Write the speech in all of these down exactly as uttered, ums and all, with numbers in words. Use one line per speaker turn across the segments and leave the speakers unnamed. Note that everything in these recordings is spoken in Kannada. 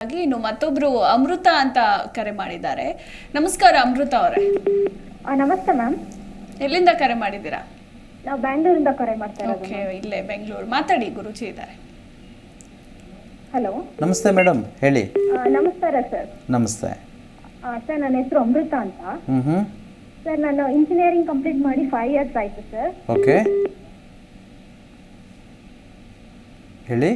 ಹಾಗಾಗಿ ಇನ್ನು ಮತ್ತೊಬ್ರು ಅಮೃತ ಅಂತ ಕರೆ ಮಾಡಿದ್ದಾರೆ. ನಮಸ್ಕಾರ ಅಮೃತ ಅವರೇ.
ನಮಸ್ತೆ ಮ್ಯಾಮ್.
ಎಲ್ಲಿಂದ ಕರೆ ಮಾಡಿದ್ದೀರಾ?
ನಾವು ಬ್ಯಾಂಗ್ಳೂರಿಂದ ಕರೆ ಮಾಡ್ತಾ ಇರೋದು.
ಓಕೆ, ಇಲ್ಲೇ ಬೆಂಗಳೂರು. ಮಾತಾಡಿ, ಗುರುಜಿ ಇದ್ದಾರೆ.
ಹಲೋ,
ನಮಸ್ತೆ ಮೇಡಮ್, ಹೇಳಿ.
ನಮಸ್ಕಾರ ಸರ್.
ನಮಸ್ತೆ
ಸರ್, ನನ್ನ ಹೆಸರು ಅಮೃತ ಅಂತ.
ಹ್ಮ್ ಹ್ಮ್
ಸರ್, ನಾನು ಇಂಜಿನಿಯರಿಂಗ್ ಕಂಪ್ಲೀಟ್ ಮಾಡಿ ಫೈವ್ ಇಯರ್ಸ್ ಆಯ್ತು ಸರ್.
ಓಕೆ, ಹೇಳಿ.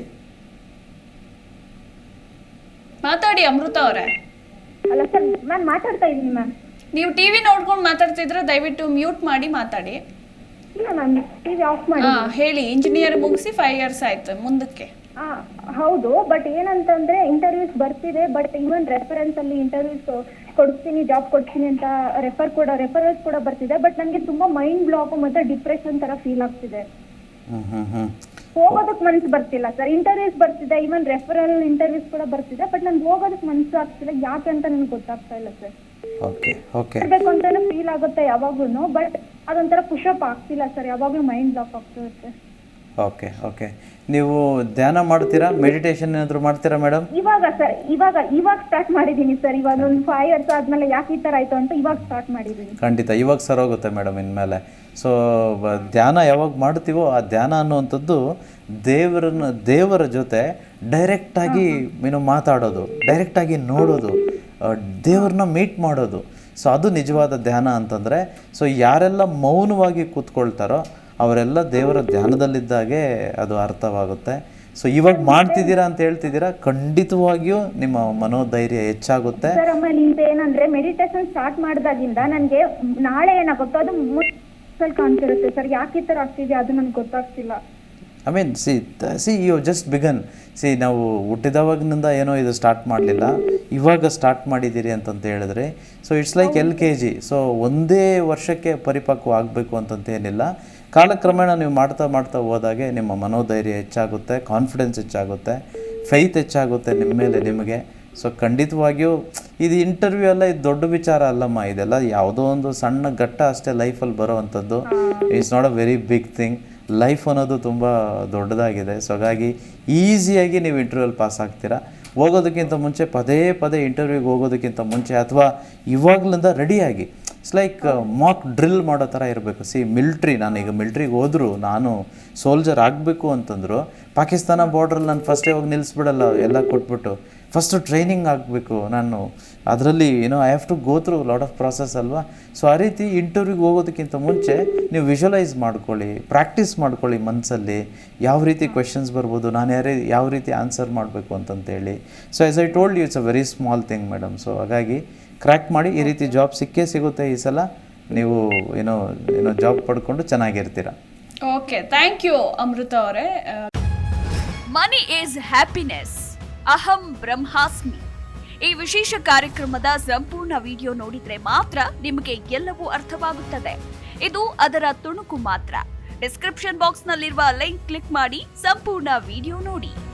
ಮಾತಾಡಿ ಅಮೃತ ಅವರೇ. ಅಲ್ಲ ಸರ್, ನಾನು ಮಾತಾಡ್ತಾ ಇದ್ದೀನಿ ಮ್ಯಾಮ್.
ನೀವು ಟಿವಿ ನೋಡ್ಕೊಂಡು ಮಾತಾಡ್ತಿದ್ರೆ ದಯವಿಟ್ಟು ಮ್ಯೂಟ್ ಮಾಡಿ ಮಾತಾಡಿ.
ಇಲ್ಲ ಮ್ಯಾಮ್, ಟಿವಿ ಆಫ್ ಮಾಡಿ.
ಹಾ, ಹೇಳಿ. ಇಂಜಿನಿಯರ್ ಮುಗಿಸಿ ಫೈವ್ ಇಯರ್ಸ್ ಆಯ್ತು, ಮುಂದಕ್ಕೆ?
ಹಾ ಹೌದು, ಬಟ್ ಏನಂತಂದ್ರೆ ಇಂಟರ್ವ್ಯೂಸ್ ಬರ್ತಿದೆ, ಬಟ್ ಇವನ್ ರೆಫರೆನ್ಸ್ ಅಲ್ಲಿ ಇಂಟರ್ವ್ಯೂಸ್ ಕೊಡ್ತೀನಿ, ಜಾಬ್ ಕೊಡ್ತೀನಿ ಅಂತ ರೆಫರ್ ಕೂಡ ರೆಫರೆನ್ಸ್ ಕೂಡ ಬರ್ತಿದೆ. ಬಟ್ ನನಗೆ ತುಂಬಾ ಮೈಂಡ್ ಬ್ಲಾಕ್ ಮತ್ತೆ ಡಿಪ್ರೆಷನ್ ತರ ಫೀಲ್ ಆಗ್ತಿದೆ.
ಹ್ಮ್ ಹ್ಮ್ ಹ್ಮ್
ಹೋಗೋದಕ್ ಮನ್ಸು ಬರ್ತಿಲ್ಲ ಸರ್. ಇಂಟರ್ವ್ಯೂಸ್ ಬರ್ತಿದೆ, ಇವನ್ ರೆಫರಲ್ ಇಂಟರ್ವ್ಯೂಸ್ ಕೂಡ ಬರ್ತಿದೆ, ಬಟ್ ನನ್ಗೆ ಹೋಗೋದಕ್ ಮನ್ಸು ಆಗ್ತಿಲ್ಲ. ಯಾಕೆ ಅಂತ ನನ್ಗೆ ಗೊತ್ತಾಗ್ತಾ ಇಲ್ಲ ಸರ್.
ಓಕೆ ಓಕೆ
ಇರ್ಬೇಕು ಅಂತಾನೆ ಫೀಲ್ ಆಗುತ್ತೆ ಯಾವಾಗ್ಲೂ, ಬಟ್ ಅದೊಂಥರ ಪುಷಪ್ ಆಗ್ತಿಲ್ಲ ಸರ್. ಯಾವಾಗ್ಲೂ ಮೈಂಡ್ ಬ್ಲಾಕ್ ಆಗ್ತಿರುತ್ತೆ.
ಓಕೆ ಓಕೆ ನೀವು ಧ್ಯಾನ ಮಾಡ್ತೀರಾ? ಮೆಡಿಟೇಷನ್ ಏನಾದರೂ ಮಾಡ್ತೀರಾ ಮೇಡಮ್?
ಇವಾಗ ಸರ್, ಇವಾಗ ಇವಾಗ ಸ್ಟಾರ್ಟ್ ಮಾಡಿದ್ದೀನಿ ಸರ್. ಇವಾಗ ಒಂದು ಫೈವ್ ಇಯರ್ಸ್ ಆದ್ಮೇಲೆ ಯಾಕೆ ಈ ಥರ ಆಯ್ತು ಅಂತ ಇವಾಗ ಸ್ಟಾರ್ಟ್ ಮಾಡಿದ್ದೀನಿ.
ಖಂಡಿತ ಇವಾಗ ಸರೋಗುತ್ತೆ ಮೇಡಮ್ ಇನ್ಮೇಲೆ. ಸೊ ಧ್ಯಾನ ಯಾವಾಗ ಮಾಡ್ತೀವೋ ಆ ಧ್ಯಾನ ಅನ್ನುವಂಥದ್ದು ದೇವರನ್ನ ದೇವರ ಜೊತೆ ಡೈರೆಕ್ಟಾಗಿ ಏನು ಮಾತಾಡೋದು, ಡೈರೆಕ್ಟಾಗಿ ನೋಡೋದು, ದೇವ್ರನ್ನ ಮೀಟ್ ಮಾಡೋದು. ಸೊ ಅದು ನಿಜವಾದ ಧ್ಯಾನ ಅಂತಂದರೆ. ಸೊ ಯಾರೆಲ್ಲ ಮೌನವಾಗಿ ಕೂತ್ಕೊಳ್ತಾರೋ ಅವರೆಲ್ಲ ದೇವರ ಧ್ಯಾನದಲ್ಲಿದ್ದಾಗೆ ಅದು ಅರ್ಥವಾಗುತ್ತೆ. ಸೊ ಇವಾಗ ಮಾಡ್ತಿದ್ದೀರಾ ಅಂತ ಹೇಳ್ತಿದ್ದೀರಾ, ಖಂಡಿತವಾಗಿಯೂ ನಿಮ್ಮ ಮನೋಧೈರ್ಯ ಹೆಚ್ಚಾಗುತ್ತೆ
ಸರ್. ಆಮೇಲೆ ಇಂತ ಏನಂದ್ರೆ ಮೆಡಿಟೇಷನ್ ಸ್ಟಾರ್ಟ್ ಮಾಡಿದಾಗಿಂದ ನನಗೆ ನಾಳೆ ಏನಾಗುತ್ತೋ ಅದು ಮುನ್ಸಲ್ ಕಾಣ್ತಿರುತ್ತೆ ಸರ್. ಯಾಕೆ ಈ ಥರ ಆಗ್ತಿದೆ ಅದು ನನಗೆ ಗೊತ್ತಾಗ್ತಿಲ್ಲ.
I mean see see you just begin. See ನಾವು ಹುಟ್ಟಿದವಾಗಿನಿಂದ ಏನೋ ಇದು ಸ್ಟಾರ್ಟ್ ಮಾಡಲಿಲ್ಲ, ಇವಾಗ ಸ್ಟಾರ್ಟ್ ಮಾಡಿದ್ದೀರಿ ಅಂತಂತ ಹೇಳಿದ್ರೆ. So it's like L K G. So ಒಂದೇ ವರ್ಷಕ್ಕೆ ಪರಿಪಕ್ವ ಆಗಬೇಕು ಅಂತಂತ ಏನಿಲ್ಲ. ಕಾಲಕ್ರಮೇಣ ನೀವು ಮಾಡ್ತಾ ಮಾಡ್ತಾ ಹೋದಾಗೆ ನಿಮ್ಮ ಮನೋಧೈರ್ಯ ಹೆಚ್ಚಾಗುತ್ತೆ, ಕಾನ್ಫಿಡೆನ್ಸ್ ಹೆಚ್ಚಾಗುತ್ತೆ, ಫೈತ್ ಹೆಚ್ಚಾಗುತ್ತೆ ನಿಮ್ಮ ಮೇಲೆ ನಿಮಗೆ. ಸೊ ಖಂಡಿತವಾಗಿಯೂ ಇದು ಇಂಟರ್ವ್ಯೂ ಎಲ್ಲ ಇದು ದೊಡ್ಡ ವಿಚಾರ ಅಲ್ಲಮ್ಮ. ಇದೆಲ್ಲ ಯಾವುದೋ ಒಂದು ಸಣ್ಣ ಘಟ್ಟ ಅಷ್ಟೇ ಲೈಫಲ್ಲಿ ಬರೋ ಅಂಥದ್ದು. It's not a very big thing. Life ಅನ್ನೋದು ತುಂಬ ದೊಡ್ಡದಾಗಿದೆ. ಸೊ ಹಾಗಾಗಿ ಈಸಿಯಾಗಿ ನೀವು ಇಂಟರ್ವ್ಯೂಲ್ಲಿ ಪಾಸ್ ಆಗ್ತೀರಾ. ಹೋಗೋದಕ್ಕಿಂತ ಮುಂಚೆ ಪದೇ ಪದೇ ಇಂಟರ್ವ್ಯೂಗೆ ಹೋಗೋದಕ್ಕಿಂತ ಮುಂಚೆ ಅಥವಾ ಇವಾಗಲಿಂದ ರೆಡಿಯಾಗಿ ಇಟ್ಸ್ ಲೈಕ್ ಮಾಕ್ ಡ್ರಿಲ್ ಮಾಡೋ ಥರ ಇರಬೇಕು. ಸಿ ಮಿಲ್ಟ್ರಿ, ನಾನು ಈಗ ಮಿಲ್ಟ್ರಿಗೆ ಹೋದರೂ ನಾನು ಸೋಲ್ಜರ್ ಆಗಬೇಕು ಅಂತಂದರು ಪಾಕಿಸ್ತಾನ ಬಾರ್ಡ್ರಲ್ಲಿ ನಾನು ಫಸ್ಟೇ ಹೋಗಿ ನಿಲ್ಲಿಸ್ಬಿಡಲ್ಲ, ಎಲ್ಲ ಕೊಟ್ಬಿಟ್ಟು ಫಸ್ಟು ಟ್ರೈನಿಂಗ್ ಆಗಬೇಕು ನಾನು. ಅದರಲ್ಲಿ ಏನೋ I have to go through lot of process ಅಲ್ವಾ. ಸೊ ಆ ರೀತಿ ಇಂಟರ್ವ್ಯೂಗೆ ಹೋಗೋದಕ್ಕಿಂತ ಮುಂಚೆ ನೀವು ವಿಜುವಲೈಸ್ ಮಾಡ್ಕೊಳ್ಳಿ, ಪ್ರಾಕ್ಟೀಸ್ ಮಾಡ್ಕೊಳ್ಳಿ ಮನಸ್ಸಲ್ಲಿ. ಯಾವ ರೀತಿ ಕ್ವೆಶನ್ಸ್ ಬರ್ಬೋದು, ನಾನು ಯಾರೇ ಯಾವ ರೀತಿ ಆನ್ಸರ್ ಮಾಡಬೇಕು ಅಂತಂತೇಳಿ. So as I told you, it's a very small thing madam. So ಹಾಗಾಗಿ ಕ್ರ್ಯಾಕ್ ಮಾಡಿ, ಈ ರೀತಿ ಜಾಬ್ ಸಿಕ್ಕೇ ಸಿಗುತ್ತೆ ಈ ಸಲ. ನೀವು ಏನೋ ಏನೋ ಜಾಬ್ ಪಡ್ಕೊಂಡು ಚೆನ್ನಾಗಿರ್ತೀರ.
ಓಕೆ, ಥ್ಯಾಂಕ್ ಯು ಅಮೃತ ಅವರೇ.
ಮನಿ ಈಸ್ ಹ್ಯಾಪಿನೆಸ್, ಅಹಂ ಬ್ರಹ್ಮಾಸ್ಮಿ. ಈ ವಿಶೇಷ ಕಾರ್ಯಕ್ರಮದ ಸಂಪೂರ್ಣ ವಿಡಿಯೋ ನೋಡಿದ್ರೆ ಮಾತ್ರ ನಿಮಗೆ ಎಲ್ಲವೂ ಅರ್ಥವಾಗುತ್ತದೆ. ಇದು ಅದರ ತುಣುಕು ಮಾತ್ರ. ಡಿಸ್ಕ್ರಿಪ್ಷನ್ ಬಾಕ್ಸ್ ನಲ್ಲಿರುವ ಲಿಂಕ್ ಕ್ಲಿಕ್ ಮಾಡಿ ಸಂಪೂರ್ಣ ವಿಡಿಯೋ ನೋಡಿ.